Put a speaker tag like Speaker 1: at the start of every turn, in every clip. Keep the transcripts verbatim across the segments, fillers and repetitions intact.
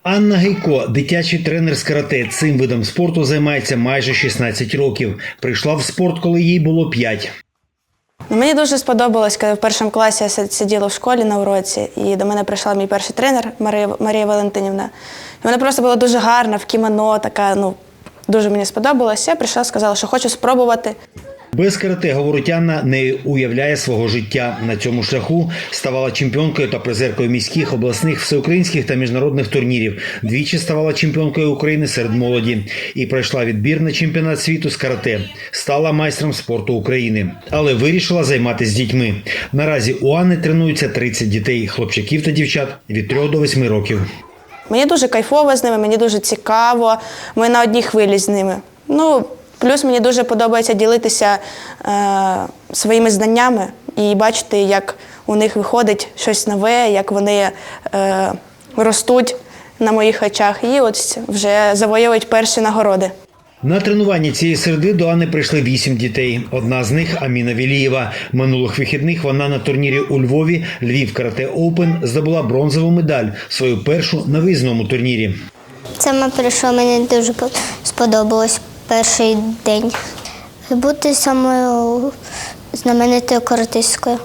Speaker 1: Анна Гейко – дитячий тренер з карате. Цим видом спорту займається майже шістнадцять років. Прийшла в спорт, коли їй було п'ять.
Speaker 2: Мені дуже сподобалось, коли в першому класі я сиділа в школі на уроці, і до мене прийшла мій перший тренер Марія, Марія Валентинівна. І вона просто була дуже гарна, в кімоно, така, ну, дуже мені сподобалось. Я прийшла, сказала, що хочу спробувати.
Speaker 1: Без карате, говорить Анна, не уявляє свого життя. На цьому шляху ставала чемпіонкою та призеркою міських, обласних, всеукраїнських та міжнародних турнірів. Двічі ставала чемпіонкою України серед молоді. І пройшла відбір на чемпіонат світу з карате. Стала майстром спорту України. Але вирішила займатися з дітьми. Наразі у Анни тренуються тридцять дітей, хлопчаків та дівчат від трьох до восьми років.
Speaker 2: Мені дуже кайфово з ними, мені дуже цікаво. Ми на одній хвилі з ними. Ну, плюс мені дуже подобається ділитися е, своїми знаннями і бачити, як у них виходить щось нове, як вони е, ростуть на моїх очах і от вже завоюють перші нагороди.
Speaker 1: На тренування цієї середи до Анни прийшли вісім дітей. Одна з них – Аміна Велієва. Минулих вихідних вона на турнірі у Львові «Львів Карате Оупен» здобула бронзову медаль, свою першу на виїзному турнірі.
Speaker 3: Саме прийшло, мені дуже сподобалось перший день. Бути самою знаменитою каратисткою.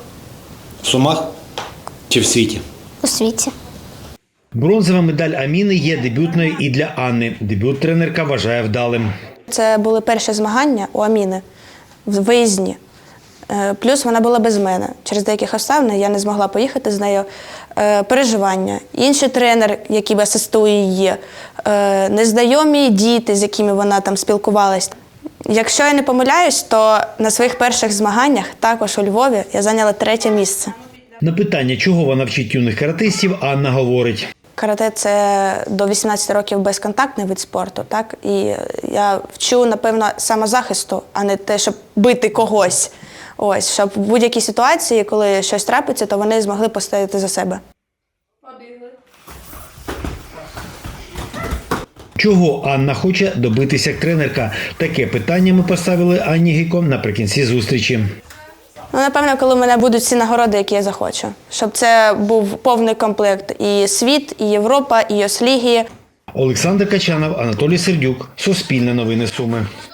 Speaker 1: В Сумах чи в світі?
Speaker 3: У світі.
Speaker 1: Бронзова медаль Аміни є дебютною і для Анни. Дебют тренерка вважає вдалим.
Speaker 2: Це були перші змагання у Аміни в виїзні. Плюс вона була без мене. Через деяких обставин я не змогла поїхати з нею. Переживання. Інший тренер, який асистує її, незнайомі діти, з якими вона там спілкувалась. Якщо я не помиляюсь, то на своїх перших змаганнях, також у Львові, я зайняла третє місце.
Speaker 1: На питання, чого вона вчить юних каратистів, Анна говорить.
Speaker 2: Карате – це до вісімнадцяти років безконтактний вид спорту, так? І я вчу, напевно, самозахисту, а не те, щоб бити когось. Ось, щоб в будь-якій ситуації, коли щось трапиться, то вони змогли постояти за себе.
Speaker 1: Чого Анна хоче добитися як тренерка? Таке питання ми поставили Анні Гейко наприкінці зустрічі.
Speaker 2: Ну, напевно, коли в мене будуть всі нагороди, які я захочу. Щоб це був повний комплект. І світ, і Європа, і Йос-ліги.
Speaker 1: Олександр Качанов, Анатолій Сердюк. Суспільне новини Суми.